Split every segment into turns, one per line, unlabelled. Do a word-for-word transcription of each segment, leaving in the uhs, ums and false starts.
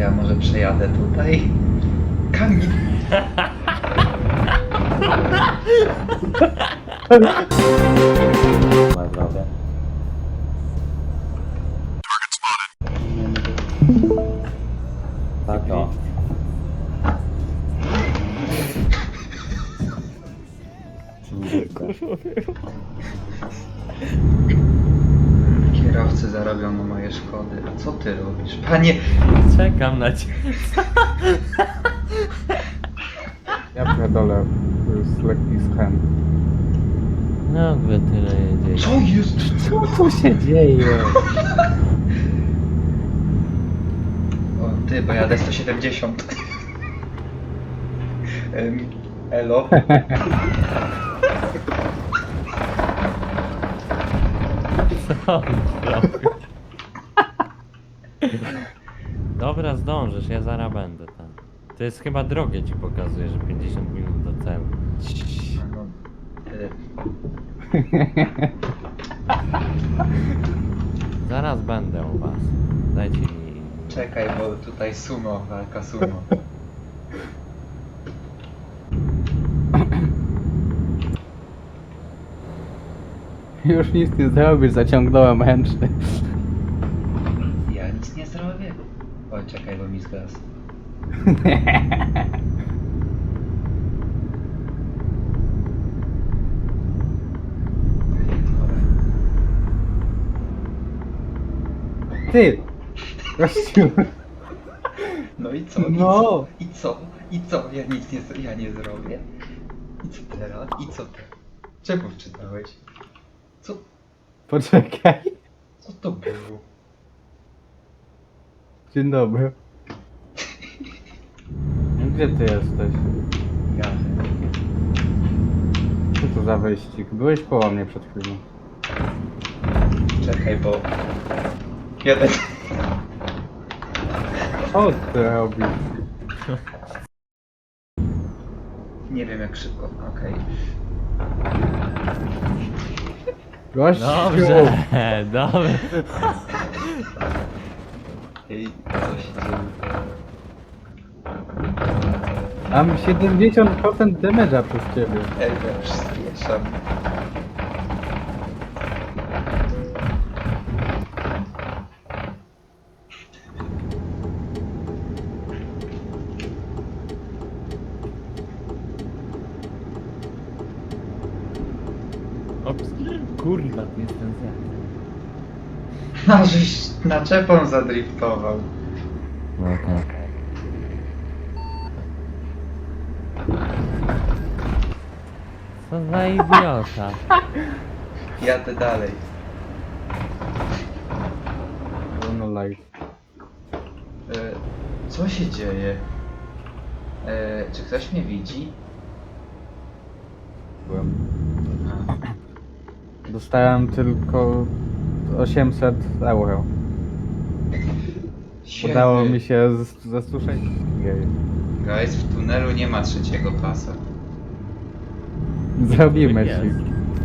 ja może przejadę tutaj? Kamil!
Na zdrowie. Tak o.
Kierowcy zarobią na moje szkody. A co ty robisz? Panie!
Czekam na ciebie.
Ja pierdolę, to jest lekki schem.
No, gdy tyle jedzie.
Co jest?
Co tu się dzieje?
O ty, bo jadę sto siedemdziesiąt. Em, Elo?
Co on zrobił? Dobra, zdążysz, ja zaraz będę tam. To jest chyba drogie, ci pokazuje, że pięćdziesiąt minut do celu.
No, y,
Zaraz będę u was. Dajcie mi...
czekaj, bo tutaj sumo, walka sumo.
Już nic nie zrobisz, zaciągnąłem ręczny.
Ja nic nie zrobię. Oj, czekaj, bo mi zgasł.
Ty! Gościu!
No i co? I
No.
co? I co? I co? Ja nic nie, z- ja nie zrobię. I co teraz? I co teraz? Czemu wczytałeś? Co?
Poczekaj.
Co to było?
Dzień dobry. Gdzie ty jesteś?
Ja.
Co to za wyścig? Byłeś koło mnie przed chwilą.
Czekaj, bo... Jeden...
Co ty robisz?
Nie wiem jak szybko, okej.
Gościu!
Dobrze, dobrze.
Ej, co się dzieje?
Mam siedemdziesiąt procent damage'a przez ciebie.
Ej, ja już spieszam.
Ops. Kurwa, to jest ten zjazd.
No, żeś naczepą zadriftował.
No tak. Co za idiota.
Jadę dalej.
No live.
E, co się dzieje? E, czy ktoś mnie widzi?
Byłem.
A,
Dostałem tylko osiemset euro. Udało mi się z- zasłyszeć. Jej.
Guys, w tunelu nie ma trzeciego pasa.
Zrobimy
Jest.
ci.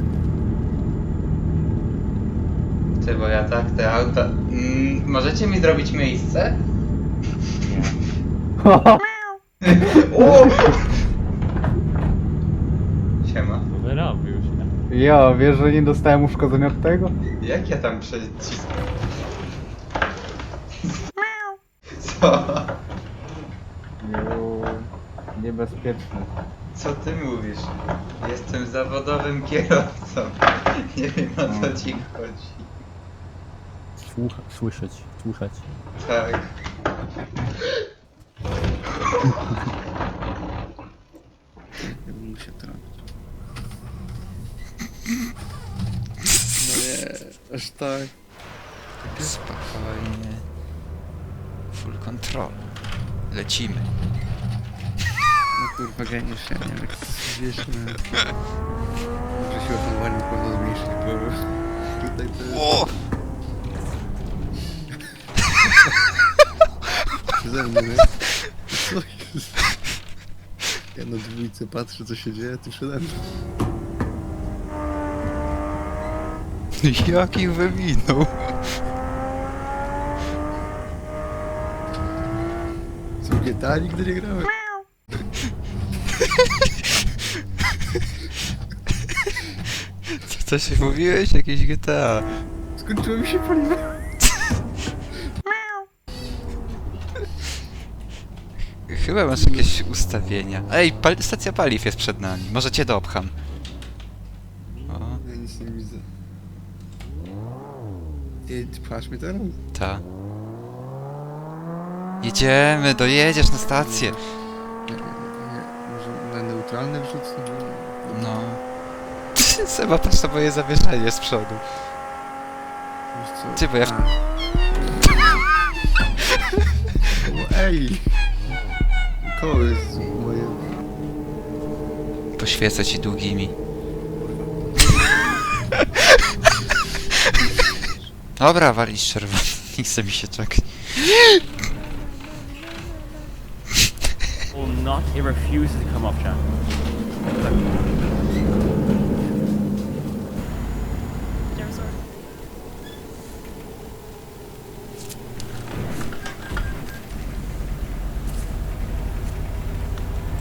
Ty, bo ja tak te auta... Mm, możecie mi zrobić miejsce? O! Siema.
Wyrobił się.
Jo, wiesz, że nie dostałem uszkodzenia od tego?
Jak ja tam przeciskam? Co?
Jo, niebezpieczne.
Co ty mówisz? Jestem zawodowym kierowcą. Nie wiem o co ci chodzi.
Słucha, słyszeć, słuchać.
Tak.
Ja bym musiał to robić. No nie, aż tak. Spokojnie. Full control. Lecimy. No kurwa, geniusz, ja nie wiem jak to wiesz, no. Muszę siłę hamowania na pewno zmniejszyć, bo tutaj to jest... O! Przeze mnie, nie? Co jest? Ja na dwójce patrzę co się dzieje, ty przede mną. Jaki wywinął? W G T A nigdy nie grałem.
Co, co się mówiłeś? Jakieś G T A.
Skończyło mi się paliwo.
Chyba masz jakieś ustawienia. Ej, pal stacja paliw jest przed nami. Może cię dopcham. O,
Ja nic nie widzę. Ty, ty pchasz mnie teraz?
ta. Jedziemy, dojedziesz na stację.
Nie, nie, nie. Może na neutralne wrzucę?
No. Seba, patrz na moje zawieszenie z przodu.
Wiesz co?
Ty, bo ja w-
A. O, ej! Koło jest moje...
Poświecę ci długimi. Dobra, walić czerwony. Nie chce mi się czekać.
will not, it refuses to come off, chat.